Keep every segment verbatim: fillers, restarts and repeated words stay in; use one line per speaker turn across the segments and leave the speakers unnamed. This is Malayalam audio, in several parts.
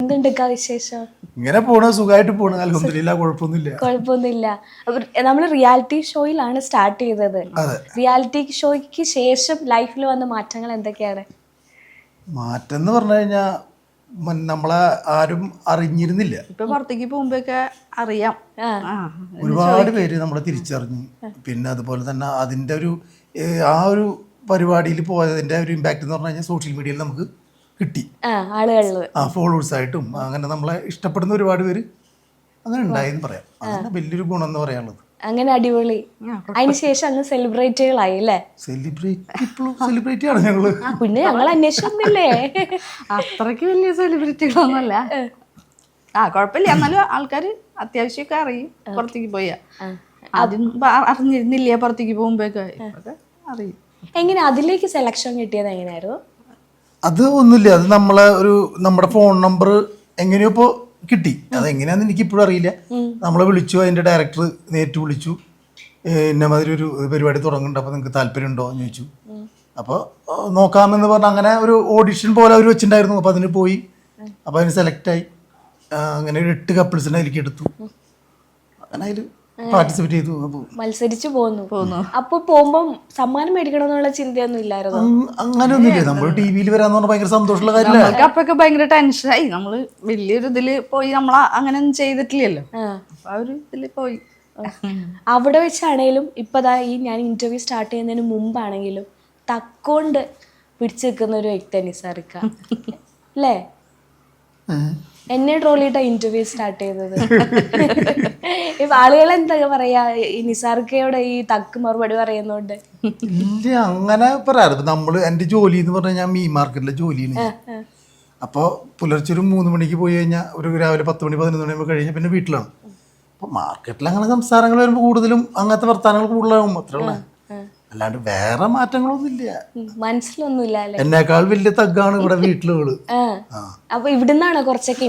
എന്തുണ്ട് വിശേഷം?
ഇങ്ങനെ പോണ സുഖമായിട്ട് പോണ, അൽഹംദുലില്ലാ, കുഴപ്പമൊന്നുമില്ല.
കുഴപ്പമൊന്നുമില്ല. നമ്മൾ റിയാലിറ്റി ഷോയിലാണ് സ്റ്റാർട്ട് ചെയ്തത്. റിയാലിറ്റി ഷോയ്ക്ക് ശേഷം ലൈഫിൽ വന്ന മാറ്റങ്ങൾ എന്തൊക്കെയാണ്?
മാറ്റം എന്ന് പറഞ്ഞു കഴിഞ്ഞാൽ നമ്മളെ ആരും അറിഞ്ഞിരുന്നില്ല.
ഇപ്പൊ പുറത്തേക്ക് പോകുമ്പോഴൊക്കെ അറിയാം.
ഒരുപാട് പേര് നമ്മളെ തിരിച്ചറിഞ്ഞു. പിന്നെ അതുപോലെ തന്നെ അതിന്റെ ഒരു ആ ഒരു പരിപാടിയിൽ പോയതിന്റെ ഒരു ഇമ്പാക്ട് എന്ന് പറഞ്ഞു കഴിഞ്ഞാൽ സോഷ്യൽ മീഡിയയിൽ നമുക്ക് കിട്ടി. ആ ഫോളോവേഴ്സ് ആയിട്ടും അങ്ങനെ നമ്മളെ ഇഷ്ടപ്പെടുന്ന ഒരുപാട് പേര് അങ്ങനെ ഉണ്ടായെന്ന് പറയാം. അങ്ങനെ വലിയൊരു ഗുണം എന്ന് പറയാനുള്ളത്.
അങ്ങനെ അടിപൊളി. അതിനുശേഷം അങ്ങ് സെലിബ്രിറ്റികളായി അല്ലേ?
സെലിബ്രിറ്റി ഇപ്പോഴും സെലിബ്രിറ്റി ആണ് ഞങ്ങള്.
പിന്നെ ഞങ്ങൾ അന്വേഷിച്ചൊന്നില്ലേ?
അത്രയ്ക്ക് വലിയ സെലിബ്രിറ്റികളൊന്നുമല്ല. ആ കുഴപ്പമില്ല, എന്നാലും ആൾക്കാര് അത്യാവശ്യമൊക്കെ അറിയും. പുറത്തേക്ക് പോയാ ആദ്യം അറിഞ്ഞിരുന്നില്ല, പുറത്തേക്ക് പോകുമ്പോഴൊക്കെ അറിയും.
എങ്ങനെ അതിലേക്ക് സെലക്ഷൻ കിട്ടിയത് എങ്ങനെയായിരുന്നു?
അത് ഒന്നുമില്ല, അത് നമ്മളെ ഒരു നമ്മുടെ ഫോൺ നമ്പർ എങ്ങനെയോ ഇപ്പോൾ കിട്ടി. അതെങ്ങനെയാന്ന് എനിക്ക് ഇപ്പോഴും അറിയില്ല. നമ്മളെ വിളിച്ചു, അതിന്റെ ഡയറക്ടർ നേരിട്ട് വിളിച്ചു, ഇന്ന മാതിരി ഒരു പരിപാടി തുടങ്ങുന്നുണ്ട്, അപ്പോൾ നിങ്ങൾക്ക് താല്പര്യം ഉണ്ടോ എന്ന് ചോദിച്ചു. അപ്പോൾ നോക്കാമെന്ന് പറഞ്ഞാൽ അങ്ങനെ ഒരു ഓഡിഷൻ പോലെ അവർ വെച്ചിട്ടുണ്ടായിരുന്നു. അപ്പോൾ അതിന് പോയി, അപ്പോൾ അതിന് സെലക്റ്റായി. അങ്ങനെ ഒരു എട്ട് കപ്പിൾസിനെ അതിലേക്ക് എടുത്തു. അങ്ങനെ അതിൽ പാർട്ടിസിപ്പേറ്റ് ചെയ്തു,
മത്സരിച്ചു പോന്നു പോന്നു അപ്പൊ പോകുമ്പോ സമ്മാനം മേടിക്കണമെന്നുള്ള ചിന്തയൊന്നും ഇല്ലായിരുന്നു?
അങ്ങനെ ഒന്നുമില്ല. നമ്മൾ ടി വിയിൽ വരാന്ന് പറഞ്ഞാൽ ഭയങ്കര സന്തോഷമുള്ള കാര്യമല്ല.
അപ്പൊക്കെ ഭയങ്കര ടെൻഷനായി. നമ്മള് വലിയൊരു ഇതില് പോയി നമ്മള അങ്ങനെ ഒന്നും ചെയ്തിട്ടില്ലല്ലോ. ആ ഒരു ഇതില് പോയി
അവിടെ വെച്ചാണേലും ഇപ്പതാ ഈ ഞാൻ ഇന്റർവ്യൂ സ്റ്റാർട്ട് ചെയ്യുന്നതിന് മുമ്പാണെങ്കിലും തക്കോണ്ട് പിടിച്ചു നിൽക്കുന്ന ഒരു വ്യക്തി നിസാറിക്ക അല്ലേ? എന്നെ ട്രോളിയിട്ടാ ഇന്റർവ്യൂ സ്റ്റാർട്ട് ചെയ്തത്. ഇപ്പൊ ആളുകൾ എന്താ പറയാ ഈ നിസാർക്കയോട് ഈ തക്ക് മറുപടി പറയുന്നോണ്ട്?
ഇല്ല, അങ്ങനെ പറയാറ്. നമ്മള് എന്റെ ജോലി എന്ന് പറഞ്ഞാൽ ഞാൻ മീൻ മാർക്കറ്റിലെ ജോലിയാണ്. അപ്പോൾ പുലർച്ചെ ഒരു മൂന്ന് മണിക്ക് പോയി കഴിഞ്ഞാൽ ഒരു രാവിലെ പത്ത് മണി പതിനൊന്ന് മണി കഴിഞ്ഞാൽ പിന്നെ വീട്ടിലാണ്. അപ്പോൾ മാർക്കറ്റിൽ അങ്ങനെ സംസാരങ്ങൾ വരുമ്പോൾ കൂടുതലും അങ്ങനത്തെ വർത്താനങ്ങൾ കൂടുതലാകും, അത്രയുള്ള. അല്ലാണ്ട് വേറെ മാറ്റങ്ങളൊന്നുമില്ല,
മനസ്സിലൊന്നുമില്ല.
എന്നേക്കാൾ വലിയ തഗ്ഗാണ് ഇവിടെ വീട്ടിലുകള്.
അപ്പൊ ഇവിടുന്നാണോ കുറച്ചൊക്കെ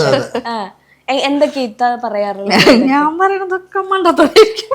എന്തൊക്കെ ഇത്ത പറയാറുള്ളത്?
ഞാൻ പറയണതൊക്കെ മണ്ടത്തരായിരിക്കും,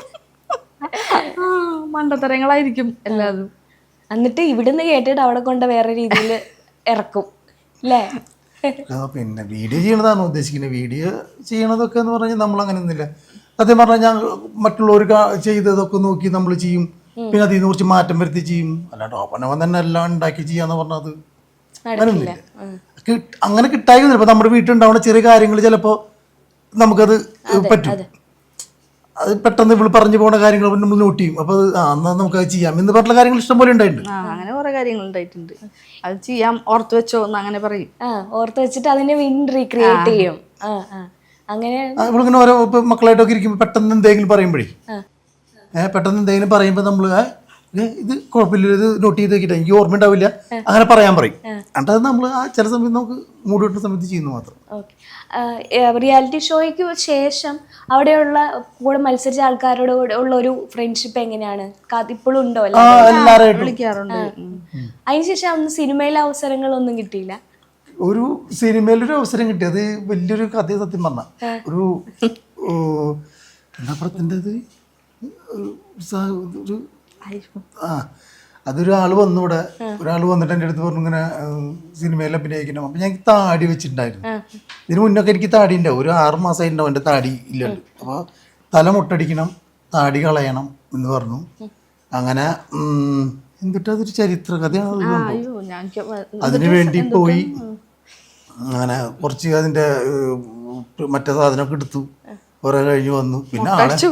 മണ്ടത്തരങ്ങളായിരിക്കും എല്ലാതും.
എന്നിട്ട് ഇവിടുന്ന് കേട്ടിട്ട് അവിടെ കൊണ്ട് വേറെ രീതിയിൽ ഇറക്കും അല്ലേ?
പിന്നെ വീഡിയോ ചെയ്യണതാണ് ഉദ്ദേശിക്കുന്നത്. വീഡിയോ ചെയ്യണതൊക്കെ എന്ന് പറഞ്ഞാൽ നമ്മൾ അങ്ങനെ ഒന്നുമില്ല. സത്യം പറഞ്ഞാൽ ഞാൻ മറ്റുള്ളവർ ചെയ്തതൊക്കെ നോക്കി നമ്മൾ ചെയ്യും, പിന്നെ അതിൽ നിന്ന് കുറച്ച് മാറ്റം വരുത്തി ചെയ്യും. അല്ലാണ്ട് ഓപ്പനവൻ തന്നെ എല്ലാം ഉണ്ടാക്കി ചെയ്യാന്ന് പറഞ്ഞത് അങ്ങനെയൊന്നുമില്ല. അങ്ങനെ കിട്ടായില്ല. ഇപ്പൊ നമ്മുടെ വീട്ടിലുണ്ടാവുന്ന ചെറിയ കാര്യങ്ങൾ ചിലപ്പോ നമുക്കത് പറ്റും. അത് പെട്ടെന്ന് ഇവള് പറഞ്ഞു പോകുന്ന കാര്യങ്ങൾ നമ്മൾ നോട്ട് ചെയ്യും. അപ്പൊ എന്നാ നമുക്ക് അത് ചെയ്യാം എന്ന് പറഞ്ഞ കാര്യങ്ങൾ ഇഷ്ടം പോലെ ഉണ്ടായിട്ടുണ്ട്.
അങ്ങനെ കുറെ കാര്യങ്ങൾ ഉണ്ടായിട്ടുണ്ട്. അത് ചെയ്യാം, ഓർത്ത് വെച്ചോ എന്ന് അങ്ങനെ പറയും.
ഓർത്ത് വെച്ചിട്ട് അതിനെ വീണ്ടും റീക്രിയേറ്റ് ചെയ്യും. അങ്ങനെ
ഇവളിങ്ങനെ ഓരോ മക്കളായിട്ടൊക്കെ ഇരിക്കുമ്പോൾ പെട്ടെന്ന് എന്തെങ്കിലും പറയുമ്പോഴേ ഏഹ് പെട്ടെന്ന് എന്തെങ്കിലും പറയുമ്പോൾ നമ്മൾ ഇത് കുഴപ്പമില്ല, ഇത് നോട്ട് ചെയ്ത് വെക്കിട്ട് എനിക്ക് ഓർമ്മ ഉണ്ടാവില്ല, അങ്ങനെ പറയാൻ പറയും. എന്നിട്ട് നമ്മൾ ആ ചില സമയത്ത് നമുക്ക് മൂഡ് കിട്ടുന്ന സമയത്ത് ചെയ്യുന്നു മാത്രം.
റിയാലിറ്റി ഷോയ്ക്ക് ശേഷം അവിടെയുള്ള കൂടെ മത്സരിച്ച ആൾക്കാരോട് ഉള്ള ഒരു ഫ്രണ്ട്ഷിപ്പ് എങ്ങനെയാണ്? ഇപ്പോഴും ഉണ്ടോ?
വിളിക്കാറുണ്ട്.
അതിനുശേഷം അന്ന് സിനിമയിലെ അവസരങ്ങളൊന്നും കിട്ടിയില്ല?
ഒരു സിനിമയിലൊരു അവസരം കിട്ടി, അത് വലിയൊരു കഥ. സത്യം പറഞ്ഞ ഒരു എന്താ പറയണ്ടത്, ഒരു ആ അതൊരാൾ വന്നു ഇവിടെ, ഒരാൾ വന്നിട്ട് എൻ്റെ അടുത്ത് പറഞ്ഞു ഇങ്ങനെ സിനിമയിൽ അഭിനയിക്കണം. അപ്പം ഞാൻ താടി വെച്ചിട്ടുണ്ടായിരുന്നു. ഇതിന് മുന്നൊക്കെ എനിക്ക് താടി ഉണ്ടാവും, ഒരു ആറ് മാസമായി ഉണ്ടാവും എൻ്റെ താടി ഇല്ലല്ലോ. അപ്പോൾ തല മുട്ടടിക്കണം, താടി കളയണം എന്ന് പറഞ്ഞു. അങ്ങനെ എന്നിട്ട് അതൊരു ചരിത്ര കഥയാണ്. അതിനു വേണ്ടി പോയി അങ്ങനെ കുറച്ച് അതിൻ്റെ മറ്റേ സാധനമൊക്കെ എടുത്തു, കുറെ കഴിഞ്ഞ് വന്നു. പിന്നെ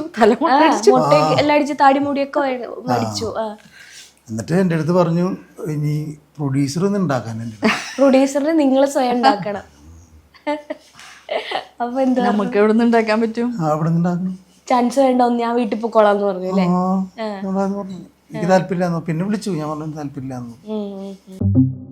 എന്നിട്ട് എൻ്റെ അടുത്ത് പറഞ്ഞു ഇനി പ്രൊഡ്യൂസർ ഒന്നും ഉണ്ടാക്കാൻ.
പ്രൊഡ്യൂസറിന് നിങ്ങൾ സ്വയം ഉണ്ടാക്കണം. അപ്പൊ എന്താ
നമുക്ക് എവിടെ നിന്ന് ഉണ്ടാക്കാൻ പറ്റും?
അവിടെ നിന്ന് ഉണ്ടാക്കണം.
ചാൻസ് വേണ്ട, ഞാൻ വീട്ടിൽ പോയിക്കോളാന്ന് പറഞ്ഞു അല്ലേ?
എനിക്ക് താല്പര്യമില്ലാന്നു. പിന്നെ വിളിച്ചു, ഞാൻ പറഞ്ഞു താല്പര്യമില്ലാന്നു.